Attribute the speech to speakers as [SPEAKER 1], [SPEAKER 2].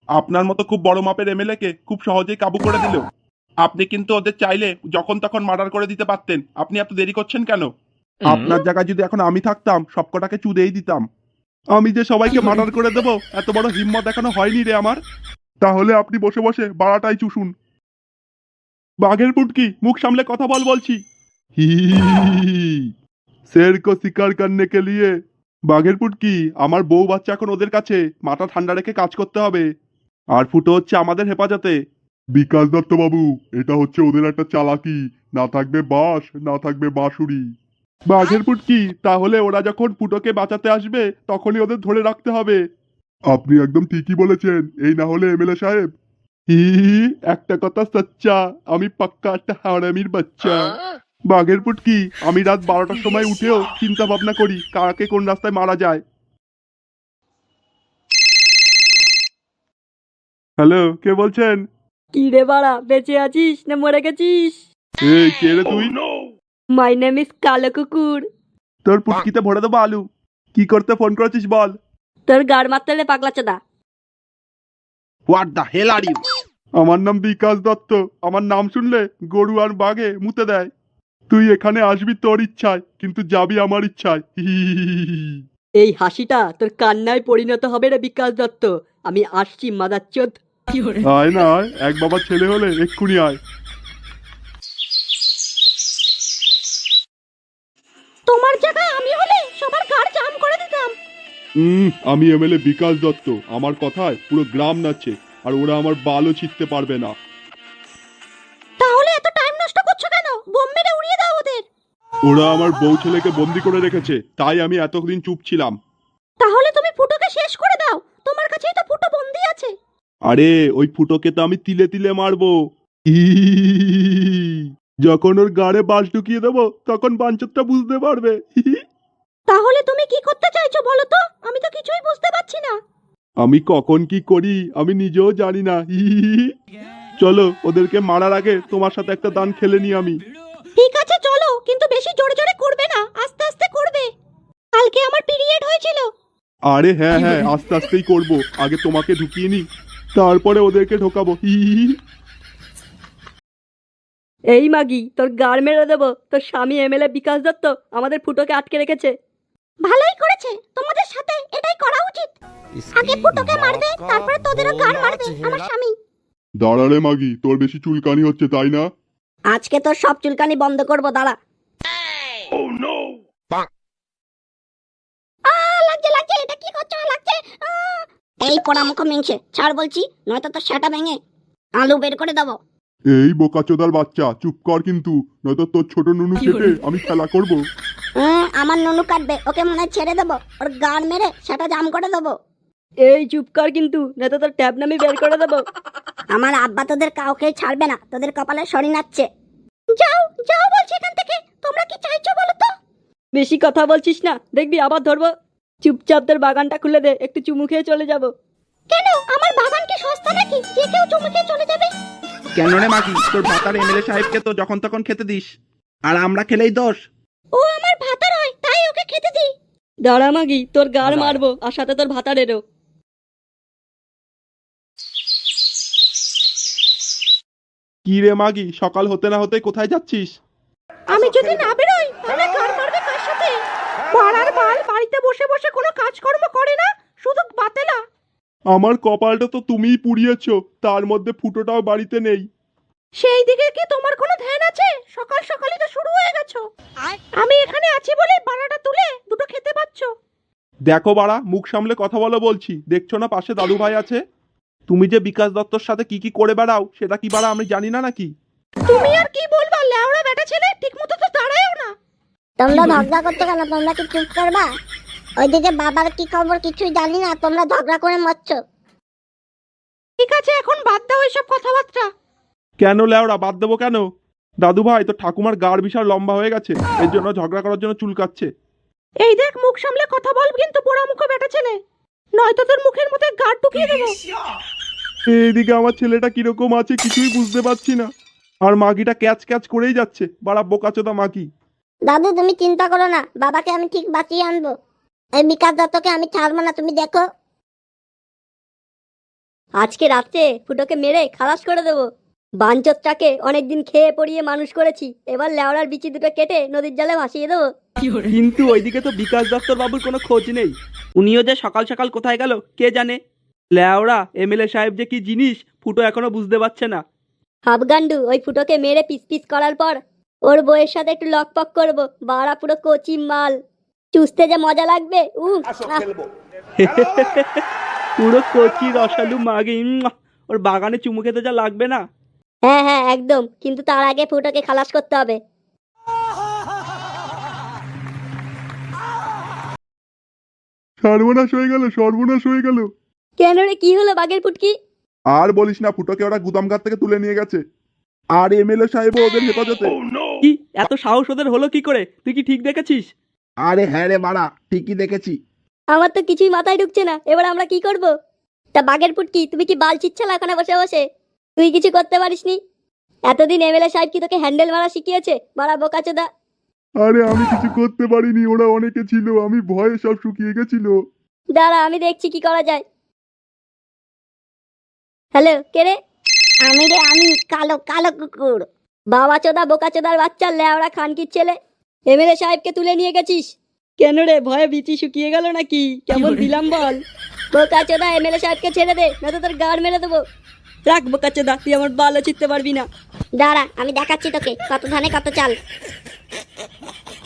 [SPEAKER 1] আপনার মতো খুব বড় মাপের এমএলএ কে খুব সহজেই কাবু করে দিল। আপনি কিন্তু ওদের চাইলে যখন তখন মার্ডার করে দিতে পারতেন। আপনি এত দেরি করছেন কেন? আপনার জায়গায় যদি এখন আমি থাকতাম সবকটাকে চুদেই দিতাম। আমি যে সবাইকে মার্ডার করে দেব এত বড় হিম্মত এখনো হয়নি রে আমার। তাহলে আপনি বসে বসে বাড়াটাই চুষুন। বাঘের পুটকি, মুখ সামলে কথা বল বলছি। হি शेर को शिकार करने के लिए। বাঘের পুটকি, আমার বউ বাচ্চা এখন ওদের কাছে, মাথা ঠান্ডা রেখে কাজ করতে হবে। আর ফুটো হচ্ছে আমাদের হেফাজতে। বিকাশ দত্ত বাবু, এটা হচ্ছে ওদের একটা চালাকি। না থাকবে বাঁশ, না থাকবে বাঁশুড়ি। বাঘের পুটকি, তাহলে ওরা যখন ফুটোকে বাঁচাতে আসবে তখনই ওদের ধরে রাখতে হবে। আপনি একদম ঠিকই বলেছেন, এই না হলে এমএলএ সাহেব। হি একটা কথা সচ্চা, আমি পাক্কা একটা হারামির বাচ্চা। বাঘের পুটকি, আমি রাত 12টার সময় উঠেও চিন্তা ভাবনা করি কাকে কোন রাস্তায় মারা যায়। হ্যালো, কে বলছেন?
[SPEAKER 2] কি রে বাড়া, বেঁচে আছিস না মরে গেছিস?
[SPEAKER 1] এই কে রে তুই?
[SPEAKER 2] মাই নেম ইজ কালো কুকুর।
[SPEAKER 1] তোর পুটকিতে ভরে দেবো আলু। কি করতে ফোন করেছিস বল?
[SPEAKER 2] তোর গাড় মারতে হলে পাগলা চোদা।
[SPEAKER 1] What the hell are you? আমার নাম বিকাশ দত্ত। আমার নাম শুনলে গরু আর বাঘে মুতে দেয়। তুই এখানে আসবি তোর ইচ্ছায়, কিন্তু যাবি আমার ইচ্ছায়।
[SPEAKER 2] এই হাসিটা তোর কান্নায় পরিণত হবে রে বিকাশ দত্ত। আমি আসছি মাদারচোদ।
[SPEAKER 1] আয় না আয়, এক বাবার ছেলে হলে এক্ষুনি আয়।
[SPEAKER 2] তোমার জায়গায় আমি হলে সবার গাড় জাম করে দিতাম।
[SPEAKER 1] আমি এমএলএ বিকাশ দত্ত, আমার কথায় পুরো গ্রাম নাচছে, আর ওরা আমার বালও ছিটতে পারবে না।
[SPEAKER 2] তাহলে এত টাইম নষ্ট করছো কেন? বোম মেরে উড়িয়ে দাও ওদের।
[SPEAKER 1] ওরা আমার বউ ছেলেকে বন্দি করে রেখেছে, তাই আমি এতদিন চুপ ছিলাম।
[SPEAKER 2] তাহলে তুমি ফুটোকে শেষ করে দাও, তোমার কাছেই তো ফুটো বন্দি আছে।
[SPEAKER 1] আরে ওই ফুটোকে তো আমি তিলে তিলে মারবো। যখন ওর গাড়ে বাঁশ ঢুকিয়ে দেবো তখন বাঞ্চতটা বুঝতে পারবে।
[SPEAKER 2] তাহলে তুমি কি করতে চাইছো বলো তো? আমি তো কিছুই বুঝতে পারছি না।
[SPEAKER 1] আমি কখন কি করি আমি নিজেও জানি না। চলো, ওদেরকে মারার আগে তোমার সাথে একটা দান খেলে নি আমি।
[SPEAKER 2] ঠিক আছে চলো, কিন্তু বেশি জোরে জোরে করবে না, আস্তে আস্তে করবে। কালকে আমার পিরিয়ড হয়েছিল।
[SPEAKER 1] আরে হ্যাঁ হ্যাঁ, আস্তে আস্তেই করবো। আগে তোমাকে ঢুকিয়ে নি, তারপরে ওদেরকে ঢোকাবো।
[SPEAKER 2] এই মাগি, তোর গাড় মেরে দেবো। তোর স্বামী এমএলএ বিকাশ দত্ত আমাদের ফুটোকে আটকে রেখেছে। ভালোই করেছে, তোমাদের সাথে এটাই করা উচিত। আগে ফুটোকে মারবে, তারপরে তোদেরও গাড় মারবে আমার স্বামী।
[SPEAKER 1] দাঁড়া রে মাগি, তোর বেশি চুলকানি হচ্ছে তাই না?
[SPEAKER 2] আজকে তোর সব চুলকানি বন্ধ করবো, দাঁড়া। লাগছে লাগছে, এটা কি করছো? লাগছে। এই পোড়ামুখ মিংসে ছাড় বলছি, নয়তো তোর সেটা ভেঙে আলু বের করে দেবো।
[SPEAKER 1] এই বোকাচোদার বাচ্চা, চুপ কর কিন্তু, নয়তো তোর ছোট নুনু কেটে আমি খেলা করব।
[SPEAKER 2] আমার নুনু কাটবে, ওকে মনে হয় ছেড়ে দেবো, ওর গান মেরে সেটা জাম করে দেবো। এই চুপ কর কিন্তু, নয়তো তোর ট্যাব নামি বের করে দেবো। আমার আব্বা তোদের কাউকে ছাড়বে না, তোদের কপালে শরীর নাচছে। যাও যাও বলছি এখান থেকে। তোমরা কি চাইছো বলো তো? বেশি কথা বলছিস না, দেখবি আবার ধরবো। চুপচাপ তোর বাগানটা খুলে দে, একটু চুমু খেয়ে চলে যাব। কেন, আমার বাগান কি সস্তা নাকি যে কেউ চুমু খেয়ে চলে যাবে?
[SPEAKER 3] কেন রে মাগি, তোর ভাতার এমএলএ সাহেবকে তো যখন তখন খেতে দিস, আর আমরা খেলেই দোষ।
[SPEAKER 2] ও আমার ভাতার হয়, তাই ওকে খেতে দিই। দাঁড়া মাগি, তোর গাড় মারবো, আর সাথে তোর ভাতারেরও।
[SPEAKER 1] কি রে মাগি, সকাল হতে না হতে কোথায় যাচ্ছিস?
[SPEAKER 2] আমি যদি না বেরোই তাহলে গাড় মারবে কার সাথে? পাড়ার বাল বাড়িতে বসে বসে কোনো কাজকর্ম করে না, শুধু বাতেলা।
[SPEAKER 1] আমার কপালটা তো তুমিই পুড়িয়েছো, তার মধ্যে ফুটোটাও বাড়িতে নেই।
[SPEAKER 2] সেই দিকে কি তোমার কোনো ধ্যান আছে? সকাল সকালই তো শুরু হয়ে গেছো। আমি এখানে আছি বলে বাড়াটা তুলে দুটো খেতে পাচ্ছো।
[SPEAKER 1] দেখো বাড়া, মুখ সামলে কথা বলো বলছি, দেখছো না পাশে দাদু ভাই আছে? তুমি যে বিকাশ দত্তর সাথে কি কি করে বেড়াও সেটা কি বাড়া আমি জানি না নাকি?
[SPEAKER 2] তুমি আর কি বলবা, লেওড়া বেটা ছেলে, ঠিকমতো তো দাঁড়ায়ও না।
[SPEAKER 4] তোমরা ঝগড়া করতে কেন? তোমরা কি চুপ করবা? ওইদিকে বাবার কি খবর কিছুই জানি না, তোমরা ঝগড়া করে মরছো।
[SPEAKER 2] ঠিক আছে, এখন বাদ দাও এসব কথাবার্তা।
[SPEAKER 1] কেন লেওড়া, বাদ দেবো কেন? দাদু ভাই, তো ঠাকুমার গাড় বিশাল লম্বা হয়ে গেছে, এর জন্য ঝগড়া করার জন্য চুলকাচ্ছে।
[SPEAKER 2] এই দেখ, মুখ সামলে কথা বল কিন্তু, পোড়া মুখো বেটা ছেলে, নয়তো তোর মুখের মধ্যে গাড় ঢুকিয়ে দেবো।
[SPEAKER 1] এইদিকে আমার ছেলেটা কিরকম আছে কিছুই বুঝতে পারছি না, আর মাগিটা ক্যাচ ক্যাচ করেই যাচ্ছে। বাড়া বোকাচোদা মাগি।
[SPEAKER 4] দাদু তুমি চিন্তা করো না, বাবাকে আমি ঠিক বাঁচিয়ে আনবো। এই বিকাশ দত্তকে আমি ছাড়বো না, তুমি দেখো।
[SPEAKER 2] আজকে রাত্রে ফুটোকে মেরে খালাস করে দেবো। বাঞ্চতটাকে অনেকদিন খেয়ে পড়িয়ে মানুষ করেছি, এবার লেওড়ার বিচি দুটো কেটে নদীর জলে ভাসিয়ে দেবো।
[SPEAKER 3] কিন্তু ওইদিকে তো বিকাশ দত্তর বাবুর কোনো খোঁজ নেই। উনিও যে সকাল সকাল কোথায় গেল কে জানে। লেওড়া এমএলএ সাহেব যে কি জিনিস ফুটো এখনো বুঝতে পারছে না।
[SPEAKER 2] হাফগান্ডু ওই ফুটোকে মেরে পিস পিস করার পর ওর বউয়ের সাথে একটু লকপক করবো। বাড়া পুরো কচি মাল, চুষতে যে মজা লাগবে।
[SPEAKER 3] পুরো কচি রসালু মাগে ওর বাগানে চুমু খেতে যা লাগবে না।
[SPEAKER 2] হ্যাঁ হ্যাঁ একদম, কিন্তু তার আগে ফুটোকে খালাস করতে হবে।
[SPEAKER 1] সর্বনাশ হয়ে গেল, সর্বনাশ হয়ে গেল।
[SPEAKER 2] কেন রে, কি হলো বাঘের পুটকি?
[SPEAKER 1] আর বলিস না, ফুটোকে ওরা গুদামঘাট থেকে তুলে নিয়ে গেছে। আর এমএলএ সাহেবও ওদের হেফাজতে।
[SPEAKER 3] কি এত সাহস ওদের হলো কি করে? তুই কি ঠিক দেখেছিস?
[SPEAKER 5] আরে হ্যাঁ রে বাড়া, ঠিকই দেখেছি।
[SPEAKER 2] আমার তো কিছুই মাথায় ঢুকছে না, এবার আমরা কি করব? তা বাঘের পুটকি, তুমি কি বাল চিচ্ছালা ওখানে বসে বসে? তুই কিছু করতে পারিসনি? এতদিন এমএলএ সাহেব কি তোকে হ্যান্ডেল মারা শিখিয়েছে? মারা বোকাচোদা।
[SPEAKER 1] আরে আমি কিছু করতে পারিনি, ওরা অনেকে ছিল, আমি ভয়ে সব শুকিয়ে গেছিল।
[SPEAKER 2] দাঁড়া আমি দেখছি কি করা যায়। হ্যালো, কে রে?
[SPEAKER 4] আমি রে, আমি কালো কালো কুকুর।
[SPEAKER 2] বাবা চোদা বোকাচোদার বাচ্চা লেওড়া খানকির ছেলে, এমএলএ সাহেবকে তুলে নিয়ে গেছিস কেন রে? ভয়ে বিচি শুকিয়ে গেল নাকি? কেমন দিলাম বল? বোকাচোদা এমএলএ সাহেবকে ছেড়ে দে, নয়তো তোর গাড় মেরে দেবো। রাখ বোকাচোদা, তুই আমার বালও চিনতে পারবি না।
[SPEAKER 4] দাঁড়া আমি দেখাচ্ছি তোকে কত ধানে কত চাল।